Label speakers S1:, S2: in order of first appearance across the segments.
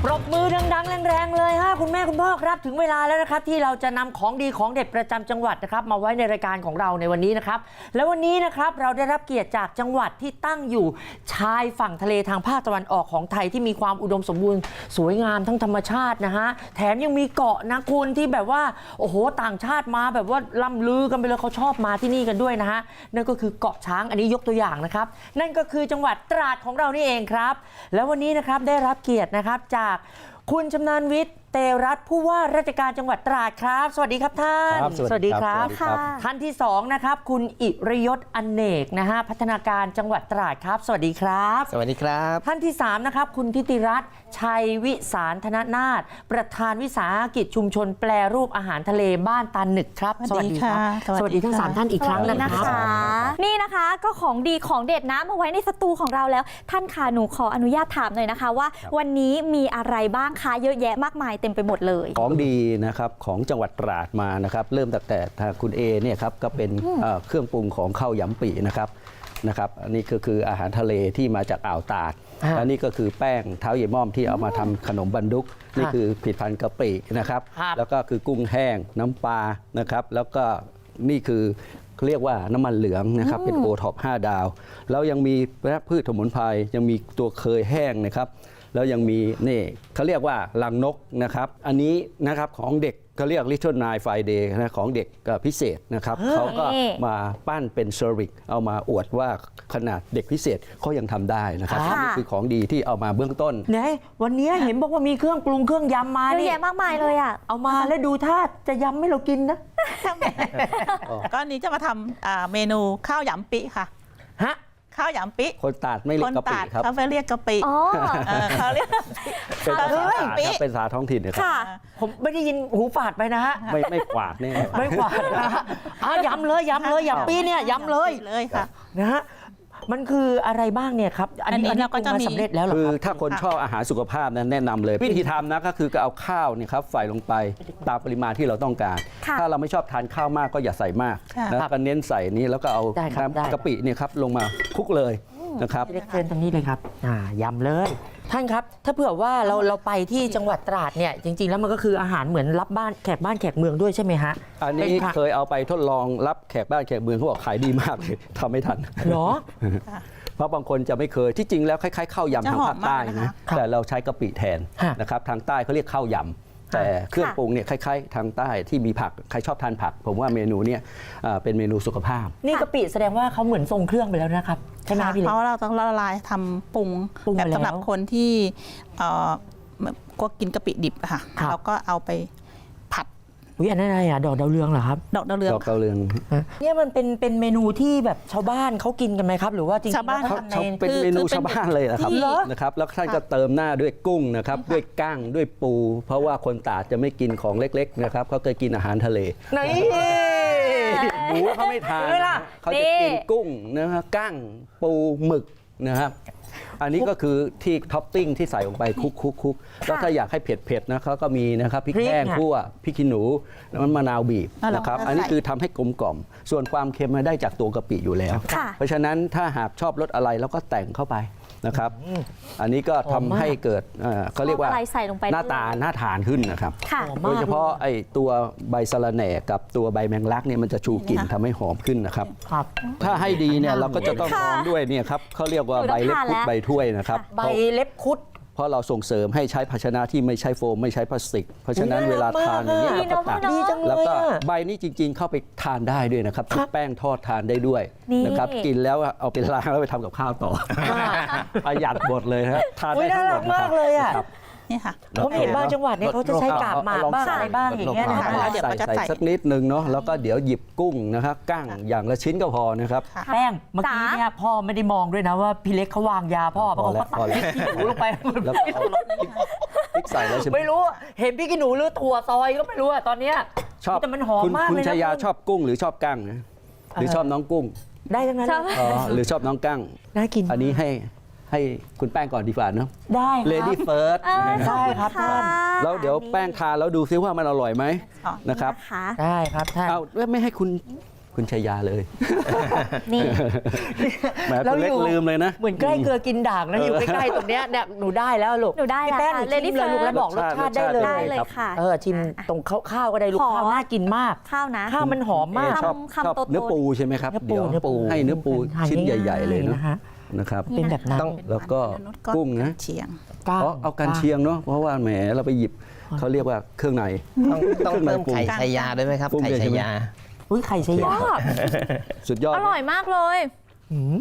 S1: ปรบมือดังๆแรงๆเลยฮะคุณแม่คุณพ่อครับถึงเวลาแล้วนะครับที่เราจะนำของดีของเด็ดประจำจังหวัดนะครับมาไว้ในรายการของเราในวันนี้นะครับและวันนี้นะครับเราได้รับเกียรติจากจังหวัดที่ตั้งอยู่ชายฝั่งทะเลทางภาคตะวันออกของไทยที่มีความอุดมสมบูรณ์สวยงามทั้งธรรมชาตินะฮะแถมยังมีเกาะนะคุณที่แบบว่าโอ้โหต่างชาติมาแบบว่าล่ำลือกันไปเลยเขาชอบมาที่นี่กันด้วยนะฮะนั่นก็คือเกาะช้างอันนี้ยกตัวอย่างนะครับนั่นก็คือจังหวัดตราดของเรานี่เองครับแล้ววันนี้นะครับได้รับเกียรตินะครับจากคุณชำนาญวิทย์เตรัตน์ผู้ว่าราชการจังหวัดตราดครับสวัสดีครับท่านสวัสดีครับท่านที่2นะครับคุณอิรยศอเนกนะฮะพัฒนาการจังหวัดตราดครับสวัสดีครับ
S2: สวัสดีครับ
S1: ท่านที่3นะครับคุณทิติรัตน์ชัยวิสารธนนาถประธานวิสาหกิจชุมชนแปรรูปอาหารทะเลบ้านตาหนึกครับ
S3: สวัสดีค่ะ
S1: สวัสดีทั้ง3ท่านอีกครั้งนะครับ
S3: นี่นะคะก็ของดีของเด็ดนะมาไว้ในสตูของเราแล้วท่านค่ะหนูขออนุญาตถามหน่อยนะคะว่าวันนี้มีอะไรบ้างคะเยอะแยะมากมายเต็มไปหมดเลย
S2: ของดีนะครับของจังหวัดตราดมานะครับเริ่มตั้งแต่ทางคุณเอเนี่ยครับก็เป็นเครื่องปรุงของข้าวยำปีนะครับอันนี้ก็คืออาหารทะเลที่มาจากอ่าวตาดและนี่ก็คือแป้งเท้าเยม่อมที่เอามาทำขนมบันดุกนี่คือผลิตภัณฑ์กะปินะครับแล้วก็คือกุ้งแห้งน้ำปลานะครับแล้วก็นี่คือเรียกว่าน้ำมันเหลืองนะครับเป็นโอท็อป5 ดาวแล้วยังมีพืชสมุนไพรยังมีตัวเคยแห้งนะครับแล้วยังมีนี่เขาเรียกว่าลังนกนะครับอันนี้นะครับของเด็กเขาเรียก Little Nine Friday นะของเด็กพิเศษนะครับเขาก็มาปั้นเป็นเซอร์วิสเอามาอวดว่าขนาดเด็กพิเศษเขายังทำได้นะครับนี่คือของดีที่เอามาเบื้องต้น
S1: ไหนวันนี้เห็นบอกว่ามีเครื่องปรุงเครื่องยำมา
S3: เยอะแยะมากมายเลยอ่ะ
S1: เอามาแล้วดูท่าจะยำให้เรากินนะ
S4: ก็นี้จะมาทำเมนูข้าวยำปิค่ะ
S1: ฮะ
S4: ข้าวยำปิ
S2: คนตาดไม่เรียกกะปิครับ
S4: เขาเรียกกะปิเขาเรียก
S2: เป็นภาษาตาดครับเป็นภาษาท้องถิ่นนะครับ
S1: ผมไม่ได้ยินหูฝาดไปนะฮะ
S2: ไม่กวาดนี่
S1: ไม่กวาดนะฮะยำเลยยำปีเนี่ยยำเลย
S4: ค่ะ
S1: นะฮะมันคืออะไรบ้างเนี่ยครับอันนี้เราก็จะมีสำเร็จแล้วหรอ
S2: คือถ้าคนชอบอาหารสุขภาพนั้นแนะนำเลยวิธีทำนะก็คือเอาข้าวเนี่ยครับใส่ลงไปตามปริมาณที่เราต้องการถ้าเราไม่ชอบทานข้าวมากก็อย่าใส่มากแล้วก็เน้นใส่นี้แล้วก็เอาน้ำกะปิเนี่ยครับลงมาคลุกเลยนะครับ
S1: เชิญตรงนี้เลยครับยำเลยท่านครับถ้าเผื่อว่าเราไปที่จังหวัดตราดเนี่ยจริงๆแล้วมันก็คืออาหารเหมือนรับบ้านแขกเมืองด้วยใช่ไหมฮะ
S2: อันนี้เคยเอาไปทดลองรับแขกบ้านแขกเมืองเขาบอกขายดีมากเลยทำไม่ทัน
S1: เหรอ
S2: เพราะบางคนจะไม่เคยที่จริงแล้วคล้ายๆข้าวยำทางภาคใต้นะแต่เราใช้กะปิแทนนะครับทางใต้เขาเรียกข้าวยำแต่เครื่องปรุงเนี่ยคล้ายๆทางใต้ที่มีผักใครชอบทานผักผมว่าเมนูเนี่ยเป็นเมนูสุขภาพ
S1: นี่กะปิแสดงว่าเขาเหมือนทรงเครื่องไปแล้วนะครับใช่ไหมพี่เล็ก
S4: เพราะเราต้องละลายทำปรุงแบบสำหรับคนที่ก็กินกะปิดิบค่ะเราก็เอาไปผัด
S1: อันนั้นอะไรอ่ะดอกดาวเรืองเหรอครับ
S4: ดอกดาวเรือง
S1: เนี่ยมันเป็นเมนูที่แบบชาวบ้านเขากินกันไหมครับหรือว่าจริงๆ
S4: ชาวบ้านเขา
S2: เป็นเมนูชาวบ้านเลยนะครับแล้วท่านก็เติมหน้าด้วยกุ้งนะครับด้วยกั้งด้วยปูเพราะว่าคนตราดจะไม่กินของเล็กๆนะครับเขาเคยกินอาหารทะเลหมูเขาไม่ทานเขาจะกินกุ้งนะครับกั้งปูหมึกนะครับอันนี้ก็คือที่ท็อปปิ้งที่ใส่ลงไปคุกแล้วถ้าอยากให้เผ็ดๆนะเขาก็มีนะครับพริกแห้งคั่วพริกขี้หนูน้ำมะนาวบีบนะครับอันนี้คือทำให้กลมกล่อมส่วนความเค็มมาได้จากตัวกะปิอยู่แล้วเพราะฉะนั้นถ้าหากชอบรสอะไรเราก็แต่งเข้าไปนะครับอันนี้ก็ทำให้เกิดเขาเรียกว่าหน้าตาน่าทานขึ้นนะครับโดยเฉพาะไอ้ตัวใบสะระแหน่กับตัวใบแมงลักเนี่ยมันจะชูกลิ่นทำให้หอมขึ้นนะครับถ้าให้ดีเนี่ยเราก็จะต้องรองด้วยเนี่ยครับเขาเรียกว่าใบเล็บคุดใบถ้วยนะครับ
S1: ใบเล็บคุด
S2: เพราะเราส่งเสริมให้ใช้ภาชนะที่ไม่ใช้โฟมไม่ใช้พลาสติกเพราะฉะนั้นเวลาทานอย่างนี้เราก็ตักแล้วก็ใบนี้จริงๆเข้าไปทานได้ด้วยนะครับชุบแป้งทอดทานได้ด้วยนะครับกินแล้วเอาไปล้างแล้วไปทำกับข้าวต่อประหยัดหมดเลยครับทานได้ทั้งหมด
S1: มากเลยอ่ะ
S4: นี่ค่ะ
S1: ผมเห็นบางจังหวัดเนี่ยเขาจะใช้กาบหมากบ้างอะไรบ้างอย่างเงี้ยนะคะ
S2: ใส่สักนิดนึงเนาะแล้วก็เดี๋ยวหยิบกุ้งนะครับกั้งอย่างละชิ้นก็พอนะครับ
S1: แป้งเมื่อกี้เนี่ยพ่อไม่ได้มองด้วยนะว่าพี่เล็กเขาวางยาพ่อเขาตักพริกขี้หนูลงไป
S2: แล้วพริกใส่แล้วใช่ไหม
S1: ไม่รู้เห็นพริกขี้หนูหรือถั่วซอยก็ไม่รู้อะตอนเนี้ย
S2: ชอบ
S1: แต่มันหอมมากเลยนะ
S2: คุณชายาชอบกุ้งหรือชอบกั้งหรือชอบน้องกุ้ง
S1: ได้ทั้งนั้น
S2: หรือชอบน้องกั้ง
S1: น่ากิน
S2: อันนี้ให้คุณแป้งก่อนดีกว่าเนาะ
S1: ได้ครับ
S2: Lady First
S1: ได้ครับท่าน
S2: แล้วเดี๋ยวแป้งทานแล้วดูซิว่ามันอร่อยไหมนะครับ
S1: ได้ครับท่าน
S2: เอาไม่ให้คุณคุณชัยยาเลย
S3: นี่
S2: แหมตัวเล็กลืมเลยนะ
S1: เหมือนใกล้เกลือกินด่างนะอยู่ใกล้ๆตรงเนี้ยเนี่ยหนูได้แล้วลูก
S3: หนูได้แล้ว
S1: พี่แป้งหนู
S3: ค่ะ
S1: ชิมเลยลูก
S3: Lady
S1: แล้วบอกรสชาติได้เล
S3: ได้
S1: ย
S3: เลยค่ะ
S1: ชิมตรงข้าวก็ได้ลูก
S3: ขอ
S1: ข้าวน่ากินมาก
S3: ข้าวนะ
S1: ข้าวมันหอมมาก
S2: ชอบ
S3: คำ
S2: ชอบ
S3: โตๆ
S2: เนื้อปูใช่ไหมครับ
S1: เนื้อปู
S2: เดี๋ยวให้เนื้อปู
S1: ทาน
S2: ชิ้น
S1: ง่ายๆ
S2: ใหญ่ ๆ เลยเนาะ
S1: นะคะ
S2: นะครับ
S1: เป็นแบบนั้น
S2: แล้วก็กุ้งนะ
S4: เชียง
S1: ก้าง
S2: เอากันเชียงเนาะเพราะว่าแหมเราไปหยิบเขาเรียกว่าเครื่องใน
S5: ต้องเพิ่มไข่ชัยยาด้วยไหมครับ
S2: ปรุง
S5: ไข่
S2: เลยใช่
S5: ชัย
S2: ไหม
S5: ยา
S1: อุ้ยไข่ชะยา
S2: สุดยอด
S3: อร่อยมากเลย
S1: หืม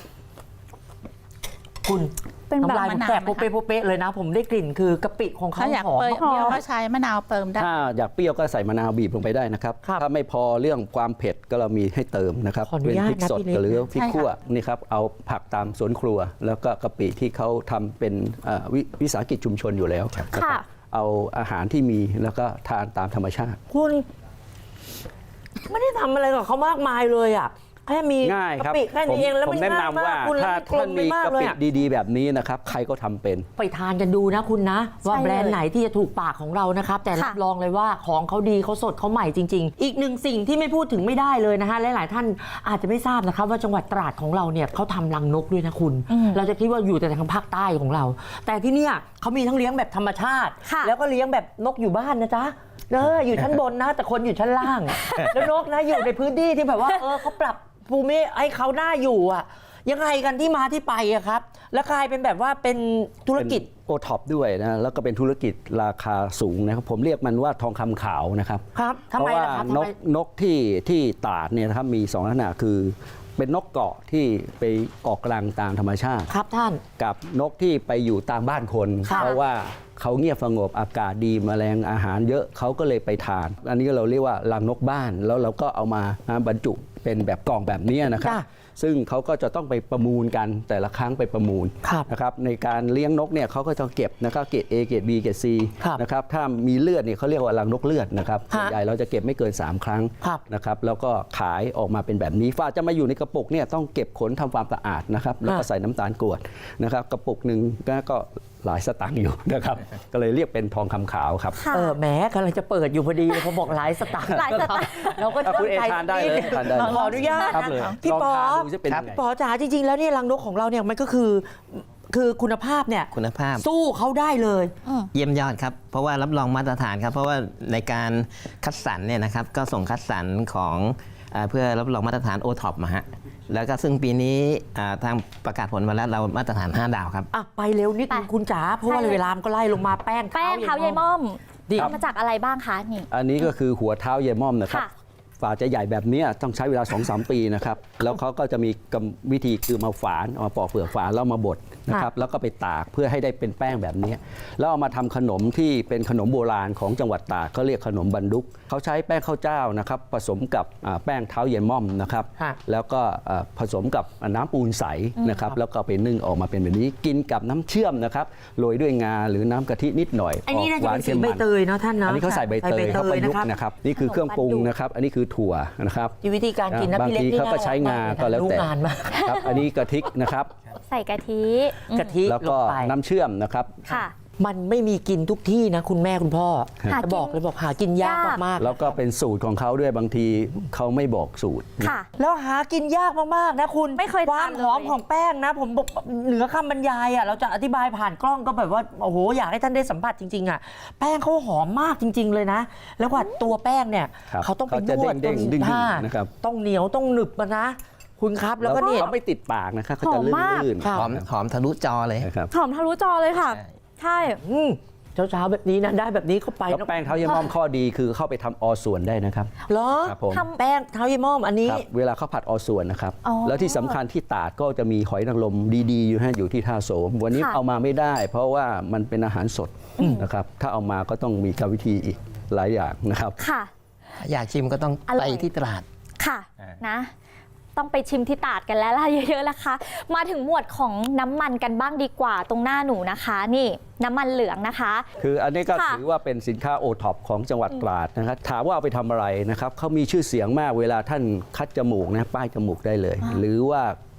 S1: คุณ
S3: เป็นแบบ
S1: น้ำลายผม
S4: มะนาว
S1: แตก
S4: ไหมคะ
S1: โป๊ะๆเลยนะ ผมได้กลิ่นคือกะปิของเขา
S4: ถ้าอยาก
S1: หอม
S4: เปรี้ยว
S1: มาก
S4: ก็ใช้มะนาวเติมได้
S2: ถ้าอยากเปรี้ยวก็ใส่มะนาวบีบลงไปได้นะครับ
S1: ครับ
S2: ถ้าไม่พอเรื่องความเผ็ดก็เรามีให้เติมนะครับ
S1: ขออนุ
S2: เป็น
S1: ญาต
S2: พริก
S1: นะ
S2: สด
S1: พี่เล็ก
S2: หรือพริก
S4: ใช่ค่ะ
S2: ขั่วนี่ครับเอาผักตามสวนครัว แล้วก็กะปิที่เขาทำเป็นวิสาหกิจชุมชนอยู่แล้วนะครับ
S3: ค่ะ
S2: เอาอาหารที่มีแล้วก็ทานตามธรรมชาติ
S1: คุณไม่ได้ทำอะไรกับเขามากมายเลยอ่ะแค่มี
S2: ง่ายครับ
S1: กะปิแค่นี้เองแล้ว
S2: ผม
S1: มัน
S2: แนะ
S1: ง่าย
S2: นำ
S1: มา
S2: ว่าก
S1: คุณ
S2: ถ้า
S1: แล้วมันกล
S2: ท่าน
S1: มไป
S2: มี
S1: มาก
S2: กะ
S1: เลย
S2: ปิ
S1: อะ
S2: ดีๆ แบบนี้นะครับใครก็ทำเป็น
S1: ไปทานกันดูนะคุณนะ ว่า
S3: ใช่เลย
S1: แบรนด์ไหนที่จะถูกปากของเรานะครับ แต่รับ
S3: ค่ะ
S1: รองเลยว่าของเขาดีเขาสดเขาใหม่จริง ๆ อีกหนึ่งสิ่งที่ไม่พูดถึงไม่ได้เลยนะฮะหลายๆท่านอาจจะไม่ทราบนะครับว่าจังหวัดตราดของเราเนี่ยเขาทำรังนกด้วยนะคุณ เราจะคิดว่าอยู่แต่ทางภาคใต้ของเรา แต่ที่เนี่ยเขามีทั้งเลี้ยงแบบธรรมชาติ
S3: ค่ะ
S1: แล้วก็เลี้ยงแบบนกอยู่บ้านนะจ๊ะอยู่ชั้นบนนะ แต่คนอยู่ชั้นล่าง แล้วนกนะอยู่ในพื้นที่ที่แบบว่าเขาปรับภูมิให้เขาหน้าอยู่อะยังไงกันที่มาที่ไปอะครับ แล้วกลายเป็นแบบว่าเป็นธุรกิจ
S2: โอท็อปด้วยนะแล้วก็เป็นธุรกิจราคาสูงนะครับผมเรียกมันว่าทองคำขาวนะครับ
S1: ครับทำ
S2: เพ
S1: ไม
S2: ราะว่า
S1: ล่ะครับ
S2: น
S1: ทำไม
S2: กที่ตราดเนี่ยนะครับมี2ลักษณะคือเป็นนกเกาะที่ไปออกรังตามธรรมชาติ
S1: ครับท่าน
S2: กับนกที่ไปอยู่ตามบ้านคน
S1: ค่ะ
S2: เพราะว่าเขาเงียบสงบอากาศดีแมลงอาหารเยอะเขาก็เลยไปทาน อันนี้เราเรียกว่ารังนกบ้านแล้วเราก็เอามาบรรจุเป็นแบบกล่องแบบนี้นะครับ
S1: จ้ะ
S2: ซึ่งเขาก็จะต้องไปประมูลกันแต่ละครั้งไปประมูล
S1: ครับ
S2: นะครับในการเลี้ยงนกเนี่ยเขาก็จะเก็บนะครับเกรด A เกรด B เกรด C
S1: ครับ
S2: นะครับถ้ามีเลือดเนี่ยเขาเรียกว่ารังนกเลือดนะครับ
S1: ฮะ
S2: ส่วนใหญ่เราจะเก็บไม่เกิน 3 ครั้ง
S1: ครับ
S2: นะครับแล้วก็ขายออกมาเป็นแบบนี้ฝ้าจะมาอยู่ในกระปุกเนี่ยต้องเก็บขนทำความสะอาดนะครับแล้วก็ใส่น้ำตาลกรวดนะครับกระปุกหนึ่งก็หลายสตางค์อยู่นะครับ ก็เลยเรียกเป็นทองคำขาวครับ
S3: ค่ะ
S1: แหมกำลังจะเปิดอยู่พอดีเลยเขาบอกหลายสตางค์
S3: หลายสตางค์
S1: เราก็
S2: คุณเอทานได้เลยทานได้เลย
S1: ขออนุญาต
S2: ครับเลย
S1: พี่
S2: ลอง
S1: ปอ
S2: ทานดูจะเป็นยังไง
S1: พี่ปอจ๋าจริง ๆ แล้วเนี่ยรังนกของเราเนี่ยมันก็คือคุณภาพเนี่ย
S5: คุณภาพ
S1: สู้เขาได้เลย
S5: เยี่ยมยอดครับ เพราะว่ารับรองมาตรฐานครับ เพราะว่าในการคัดสรรเนี่ยนะครับก็ส่งคัดสรรของเพื่อรับรองมาตรฐานโอท็อปมาฮะแล้วก็ซึ่งปีนี้ทางประกาศผลมาแล้วเรามาตรฐาน 5 ดาวครับ
S1: อ่ะไปเร็วนิดนึง
S3: ไป
S1: คุณจ๋าเพราะว่า
S3: ใช่เลย
S1: เวลามันก็ไล่ลงมาแป้ง
S3: แป้งเท้ายายม่อม
S1: ดิ
S3: ทำมาจากอะไรบ้างคะนี่
S2: อันนี้ก็คือหัวเท้าเยายม่อมนะครับ
S3: ค่ะ
S2: ฝาจะใหญ่แบบเนี้ยต้องใช้เวลา 2-3 ปีนะครับ แล้วเขาก็จะมีวิธีคือมาฝานเอามาปอกเปลือกฝานแล้วมาบดนะครับ แล้วก็ไปตากเพื่อให้ได้เป็นแป้งแบบนี้ แล้วเอามาทำขนมที่เป็นขนมโบราณของจังหวัดตากเขาเรียกขนมบันดุกเขาใช้แป้งข้าวเจ้านะครับผสมกับแป้งเท้าเยายม่อมนะครับ
S1: ค่ะ
S2: แล้วก็ผสมกับน้ำปูนใสนะครับ แล้วก็ไปนึ่งออกมาเป็นแบบนี้ กินกับน้ำเชื่อมนะครับ โรยด้วยงาหรือน้ำกะทินิดหน่อย
S1: ไอ้นี่น่า
S2: ห
S1: จะ
S2: วา
S1: เป็น น
S2: เค็
S1: สี
S2: ม
S1: ใบ
S2: มัน
S1: เตยเนาะท่านเนาะ
S2: อันนี้เขาใส่ใบเตยเขาประยุกต์
S1: นะ
S2: นะครับ นี่คือเครื่องปรุงนะครับ อันนี้คือถั่วนะครับ
S1: วิธีการกินนะ
S2: บาง
S1: พี่เล็ก
S2: ที
S1: นี่
S2: เขาก็ใช้งาก็แล้วแต่
S1: รู้งานมาก
S2: ครับ อันนี้กะทินะครับ
S3: ใส่กะทิ
S1: กะทิ
S2: แล้ว
S1: ล
S2: ก็
S1: งไป
S2: น้ำเชื่อมนะครับ
S3: ค่ะ
S1: มันไม่มีกินทุกที่นะคุณแม่คุณพ่อ
S3: หากิน
S1: จะบอกเลยบอกหากินยาก
S3: ยาก
S1: มาก
S2: แล้วก็เป็นสูตรของเขาด้วยบางทีเขาไม่บอกสูตร
S3: ค่ะ
S1: ๆแล้วหากินยากมากๆนะคุณ
S3: ไม่เคย
S1: ความ
S3: ทานเลย
S1: หอมของแป้งนะ ผมบอกเหนือคำบรรยายอ่ะเราจะอธิบายผ่านกล้องก็แบบว่าโอ้โหอยากให้ท่านได้สัมผัสจริงๆอ่ะแป้งเขาหอมมากจริง ๆ เลยนะ แล้วกว่าตัวแป้งเนี่ย
S2: ครับ
S1: เขาต้องไปน
S2: เขาจะ
S1: วด
S2: เด้งๆดึงๆ
S1: ผ้า
S2: นะครับ
S1: ต้องเหนียวต้องหนึบมานะ คุณครับแล้วก็เนี่ย
S2: เขาไม่ติดปากนะครับเขาจะ
S3: หอมมาก
S2: ลื่น
S1: ค่ะ
S5: หอมทะลุจอเลย
S2: ๆนะครับ
S3: หอมทะลุจอเลยค่ะ ใช่
S1: อืมเช้าๆแบบนี้นะได้แบบนี้เข้าไป
S2: แล้วแป้งเท้าเยายม่อมข้อดีคือเข้าไปทำอส่วนได้นะครับ
S1: เหรอ
S2: ครับผม
S1: ทำแป้งเท้ายี่ม่อมอันนี้
S2: ครับเวลาเขาผัดอส่วนนะครับ
S3: อ๋อ
S2: แล้วที่สำคัญที่ตราดก็จะมีหอยนางรมดีๆอยู่ที่ท่าโสม วันนี้
S3: ค่ะ
S2: เอามาไม่ได้ เพราะว่ามันเป็นอาหารสดนะครับ ถ้าเอามาก็ต้องมีกรรมวิธีอีกหลายอย่างนะครับ
S3: ค่ะ
S5: อยากชิมก็ต้อง
S3: อร่
S5: ไป
S3: อย
S5: ที่ตลาด
S3: ค่ะ
S5: อ่า
S3: นะ ต้องไปชิมที่ตราดกันแล้วล่ะเยอะๆนะคะ มาถึงหมวดของน้ำมันกันบ้างดีกว่าตรงหน้าหนูนะคะ นี่น้ำมันเหลืองนะคะ
S2: คืออันนี้ก็
S3: ค่ะ
S2: ถือว่าเป็นสินค้าโอท็อปของจังหวัดตราดนะครับถามว่าเอาไปทำอะไรนะครับเขามีชื่อเสียงมากเวลาท่านคัดจมูกนะป้ายจมูกได้เลย หรือว่า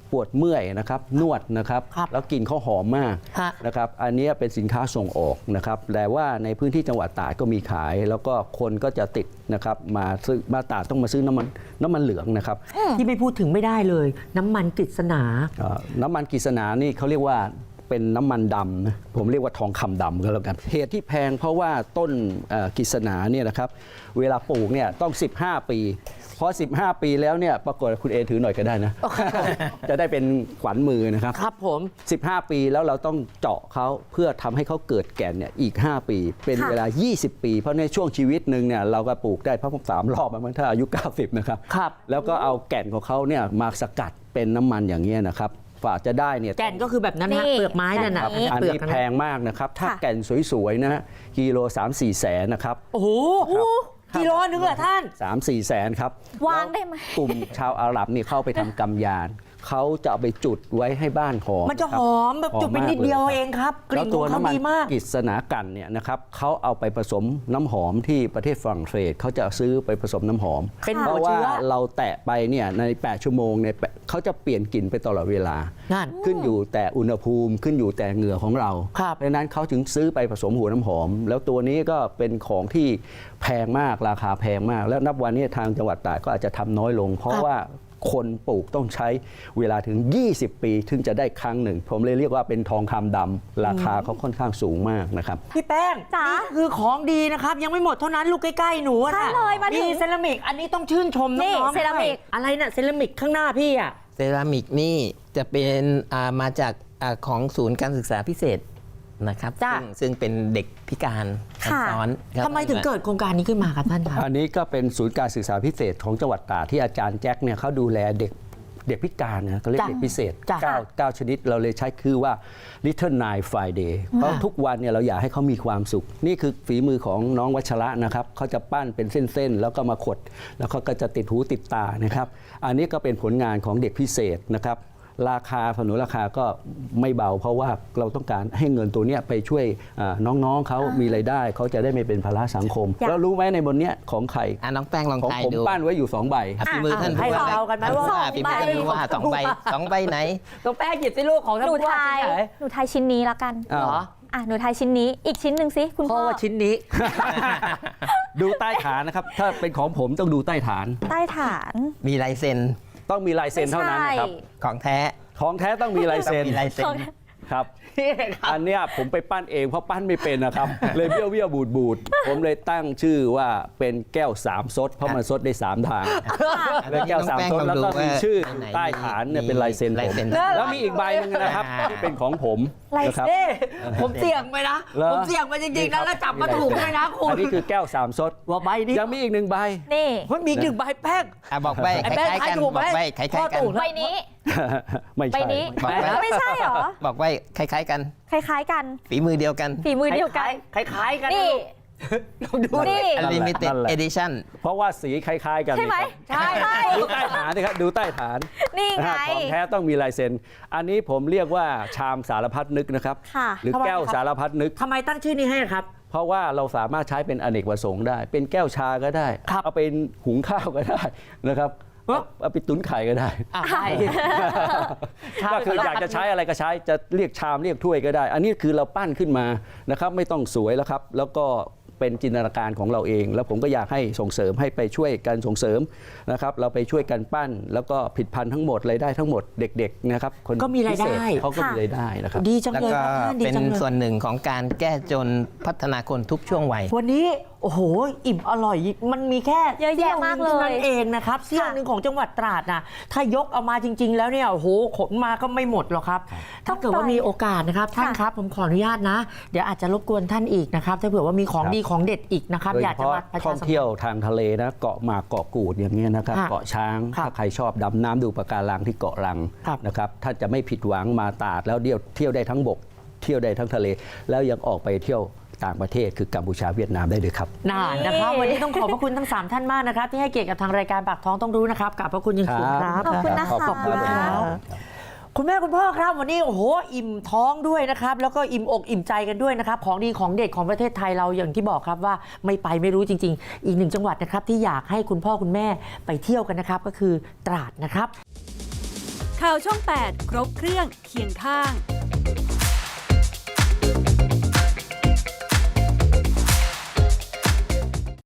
S2: ปวดเมื่อยนะครับนวดนะครับ
S1: ครับ
S2: แล้วกลิ่นเขาหอมมาก
S1: ฮะ
S2: นะครับอันนี้เป็นสินค้าส่งออกนะครับแต่ว่าในพื้นที่จังหวัดตราดก็มีขาย แล้วก็คนก็จะติดนะครับมาซื้อมาตราดต้องมาซื้อน้ำมันเหลืองนะครับ
S1: ที่ไม่พูดถึงไม่ได้เลย น้ำมันกฤษณา
S2: น้ำมันกฤษณานี่เขาเรียกว่าเป็นน้ำมันดำนะผมเรียกว่าทองคำดำก็แล้วกันเหตุที่แพงเพราะว่าต้นกฤษณาเนี่ยนะครับเวลาปลูกเนี่ยต้อง 15 ปีพอ 15 ปีแล้วเนี่ยปรากฏคุณเอถือหน่อยก็ได้นะ จะได้เป็นขวัญมือนะครับ
S1: ครับผม
S2: 15 ปีแล้วเราต้องเจาะเขาเพื่อทำให้เขาเกิดแก่นเนี่ยอีก 5 ปี เป็น
S3: ค่ะ
S2: เวลา 20 ปี เพราะในช่วงชีวิตหนึ่งเนี่ยเราก็ปลูกได้เพราะผม3 รอบมันถ้าอายุ 90 นะครับ
S1: ครับ
S2: แล้วก็เอาแก่นของเขาเนี่ยมาสกัดเป็นน้ำมันอย่างเงี้ยนะครับฝากจะได้เนี่ย
S1: แก่นก็คือแบบนั้นฮะ
S3: นี่
S1: เปลือกไม้นั่นน่ะ
S3: แบบนี้
S2: อัน
S1: เปลือก
S2: นี้
S1: นั่น
S2: แพ
S1: น่ะ
S2: งมากนะครับ ถ้า
S3: ค่ะ
S2: แก่นสวยๆนะฮะกิโล 3-4 แสนนะครับ
S1: โอ้โหกิโลนึงเหรอท่าน
S2: 3-4 แสนครับ
S3: วางได้ไหม
S2: แล้วกลุ่มชาวอาหรับนี่เข้าไปทำกำยานเขาจะเอาไปจุดไว้ให้บ้านหอม
S1: มันจะ
S2: ครั
S1: ห
S2: บ
S1: อมแบบจุดไป
S2: หอมมาก
S1: นิดเดียว
S2: ล
S1: เองครับ ก
S2: แล้
S1: ลิ่
S2: วน
S1: ข
S2: ตั
S1: อ
S2: ว
S1: งเขา
S2: น้ำมัน
S1: ดีมาก
S2: กฤษณากันเนี่ยนะครับเขาเอาไปผสมน้ำหอมที่ประเทศฝรั่งเศสเขาจะซื้อไปผสมน้ำหอม
S1: เป็น
S2: เพ
S1: หัว
S2: ราะว่า
S1: เชื้อ
S2: เราแตะไปเนี่ยใน 8 ชั่วโมงเนี่ยเขาจะเปลี่ยนกลิ่นไปตลอดเวลา
S1: นั่น
S2: ขึ้นอยู่แต่อุณหภูมิขึ้นอยู่แต่เหงื่อของเรา
S1: ครับ
S2: เพราะฉะนั้นเขาถึงซื้อไปผสมหัวน้ำหอม แล้วตัวนี้ก็เป็นของที่แพงมากราคาแพงมาก แล้วนับวันนี้ทางจังหวัดตราดก็อาจจะทำน้อยลง เพราะว่าคนปลูกต้องใช้เวลาถึง 20 ปีถึงจะได้ครั้งหนึ่ง ผมเลยเรียกว่าเป็นทองคำดำราคาเขาค่อนข้างสูงมากนะครับ
S1: พี่แป้ง
S3: จ๋า
S1: นี่คือของดีนะครับ ยังไม่หมดเท่านั้นลูกใกล้ๆหนูอะ
S3: ใช่
S1: น่ะ
S3: เลยมาถึง
S1: เซรามิก อันนี้ต้องชื่นชม
S3: นี่
S1: น้องๆ
S3: เซรามิก
S1: ด้วยอะไรน่ะเซรามิกข้างหน้าพี่อ่ะ
S5: เซรามิกนี่จะเป็นมาจากของศูนย์การศึกษาพิเศษนะครับ
S1: จ้ะ
S5: ซึ่งเป็นเด็กพิการ
S3: ค่ะ
S5: ซ้อนครับ
S1: ทำไมถึงเกิดโครงการนี้ขึ้นมาครับท่านครับ
S2: อันนี้ก็เป็นศูนย์การศึกษาพิเศษของจังหวัดตราดที่อาจารย์แจ็คเนี่ยเขาดูแลเด็กพิการนะเขาเรียก
S1: จ้ะ
S2: เด็กพิเศษ
S1: จ้ะ
S2: 9 ชนิดเราเลยใช้คือว่า Little Nine Friday เพราะทุกวันเนี่ยเราอยากให้เขามีความสุข นี่คือฝีมือของน้องวัชระนะครับเขาจะปั้นเป็นเส้นๆ แล้วก็มาขด แล้วเขาก็จะติดหูติดตานะครับ อันนี้ก็เป็นผลงานของเด็กพิเศษนะครับราคาสนุนราคาก็ไม่เบา เพราะว่าเราต้องการให้เงินตัวเนี้ยไปช่วยน้องๆเขามีรายได้เขาจะได้ไม่เป็นภาระสังคม
S3: อยาก
S2: แล้วรู้ไหมในบนเนี้ยของใคร
S5: น้องแป้งลอง
S2: ของ
S5: ทาย
S2: ผม
S5: ดู
S2: ปั้นไว้อยู่ 2 ใบ
S5: ฝีมือท่าน
S1: ให้
S5: ผู้ว่า
S1: เรากันไหมว่า
S5: ฝีมือท่านผู้ว่า
S1: สองใบ
S5: สองใบไหน
S1: ต้องแป้งหยิบสิลูกของ
S3: ห
S1: ท่าน
S3: นู
S1: ผู้ว่า
S3: ทาย
S1: ชิ้นไหน
S3: หนูทายชิ้นนี้ละกัน
S2: อ้าว
S1: เหรอ
S3: หนูทายชิ้นนี้อีกชิ้นหนึ่งสิคุณ
S1: เพ
S3: พ่อ
S1: ราะว่าชิ้นนี้
S2: ดูใต้ฐานนะครับ ถ้าเป็นของผมต้องดูใต้ฐาน
S3: ใต้ฐาน
S5: มีลายเซ็น
S2: ต้องมีลายเซ็นเท่านั้นนะครับ
S5: ของแท้
S2: ของแท้ต้องมีลายเซ็น
S5: ต้องมีลายเซ็น
S2: ครับ อันเนี้ยผมไปปั้นเองเพราะปั้นไม่เป็นนะครับ เลยเบี้ยวเบี้ยวบูดบูดผมเลยตั้งชื่อว่าเป็นแก้ว3ซดเพราะมันซดได้3ทางแล้วแก้ว3ซดแล้วก็มีชื่อใต้ฐานเนี่ยเป็นลายเซ็นผมแล้วมีอีกใบหนึงนะครับที่เป็นของผมนะครับ
S1: เอ้ผมเสี่ยงไปนะ
S2: เหรอ
S1: ผมเสี่ยงไปจริงๆนะแล้วจับมาถูกด้วยนะคุณ
S2: อันนี้คือแก้ว3ซด
S1: ว่าใบนี้
S2: ยังมีอีก1ใบ
S3: นี่
S1: มันมีหนึ่งใบแป้ง
S5: บอกใบ
S1: ไอ้
S5: ค
S1: แป้ง
S5: ล้ายๆกัน
S1: ทายถูก
S5: บ
S1: ไหม
S5: อกใบคล้าย
S1: พ่อ
S5: ๆกัน
S1: ตู่
S3: ใบนี้
S2: ไม่
S3: ใบ
S2: ใช่
S3: นี้
S5: บอกใบ
S3: ไม่ใช่เหรอ
S5: บอกใบคล้ายๆกัน
S3: คล้ายๆกัน
S5: ฝีมือเดียวกัน
S3: ฝีมือเดียวกัน
S1: คล้ายๆกัน
S3: นี่
S1: ลองดู
S3: นี่
S5: Unlimited
S2: นั่นแหละ
S5: Edition
S2: เพราะว่าสีคล้าย ๆ กัน
S3: ใช่ไหม
S1: ใช่
S3: ใช่
S2: ดูใต้ฐานนะครับดูใต้ฐาน
S3: นี่ไง
S2: ของแท้ต้องมีลายเซ็น อันนี้ผมเรียกว่าชามสารพัดนึกนะครับ
S3: ค่ะ
S2: หรือแก้วสารพัดนึก
S1: ทำไมตั้งชื่อนี้ให้ครับ
S2: เพราะว่าเราสามารถใช้เป็นอเนกประสงค์ได้ เป็นแก้วชาก็ได้
S1: ครับ
S2: เอาเป็นหุงข้าวก็ได้นะครับ เอาไปตุ๋นไข่ก็ได้
S1: ใช่
S2: ก็คืออยากจะใช้อะไรก็ใช้ จะเรียกชามเรียกถ้วยก็ได้ อันนี้คือเราปั้นขึ้นมานะครับ ไม่ต้องสวยแล้วครับ แล้วก็เป็นจินตนาการของเราเอง แล้วผมก็อยากให้ส่งเสริมให้ไปช่วยกันส่งเสริมนะครับ เราไปช่วยกันปั้น แล้วก็ผลิตภัณฑ์ทั้งหมดรายได้ทั้งหมดเด็กๆนะครับคน
S1: ก็มีรายได้
S2: พิเศษเขาก็มีรายได้นะครับ
S1: ดีจัง
S5: แล้ว
S1: เลย
S5: ก็
S1: ครับท่านดี
S5: เป็น
S1: จังเลย
S5: ส่วนหนึ่งของการแก้จนพัฒนาคนทุกช่วงวัย
S1: วันนี้โอ้โหอิ่มอร่อยมันมีแค่
S3: เยอะแยะมากเลย
S1: สี้วหนึ่งเท่านั้นเองนะครับเสี้ยวหนึ่งของจังหวัดตราดนะถ้ายกเอามาจริง ๆ แล้วเนี่ยโอ้โหขนมาก็ไม่หมดหรอกครับ ถ้าเกิดว่ามีโอกาสนะครับท่านครับผมขออนุญาตนะ เดี๋ยวอาจจะรบกวนท่านอีกนะครับถ้าเผื่อว่ามีของ
S2: ครับ
S1: ดีของเด็ดอีกนะครับ
S2: โดย
S1: อยาก
S2: เฉ
S1: จะ
S2: พาะ
S1: มาประ
S2: ท่
S1: ชา
S2: อง
S1: สัมพัน
S2: เที่ยว
S1: ธ์
S2: ทางทะเลนะเกาะหมากเกาะกูดอย่างเงี้ยนะครับ
S1: ค่ะ
S2: เกาะช้าง
S1: ครับ
S2: ถ้าใครชอบดำน้ำดูปะการังที่เกาะลัง
S1: ครับ
S2: นะครับท่านจะไม่ผิดหวังมาตราดแล้วเที่ยวได้ทั้งบก เที่ยวได้ทั้งทะเล แล้วยังออกไปเที่ยวต่างประเทศคือกัมพูชาเวียดนามได้เลยครับ
S1: นานนะครับวันนี้ต้องขอบพระคุณทั้ง 3 ท่านมากนะครับที่ให้เกียรติกับทางรายการปากท้องต้องรู้นะครับขอบพระคุณอยังสูงครับ
S3: ขอบคุณนะคะ
S2: ขอบคุณครับ
S1: คุณแม่คุณพ่อครับวันนี้โอ้โหอิ่มท้องด้วยนะครับแล้วก็อิ่มอกอิ่มใจกันด้วยนะครับของดีของเด็ดของประเทศไทยเราอย่างที่บอกครับว่าไม่ไปไม่รู้จริง ๆ อีกหนึ่งจังหวัดนะครับที่อยากให้คุณพ่อคุณแม่ไปเที่ยวกันนะครับก็คือตราดนะครับ
S6: ข่าวช่อง 8 ครบเครื่องเคียงข้าง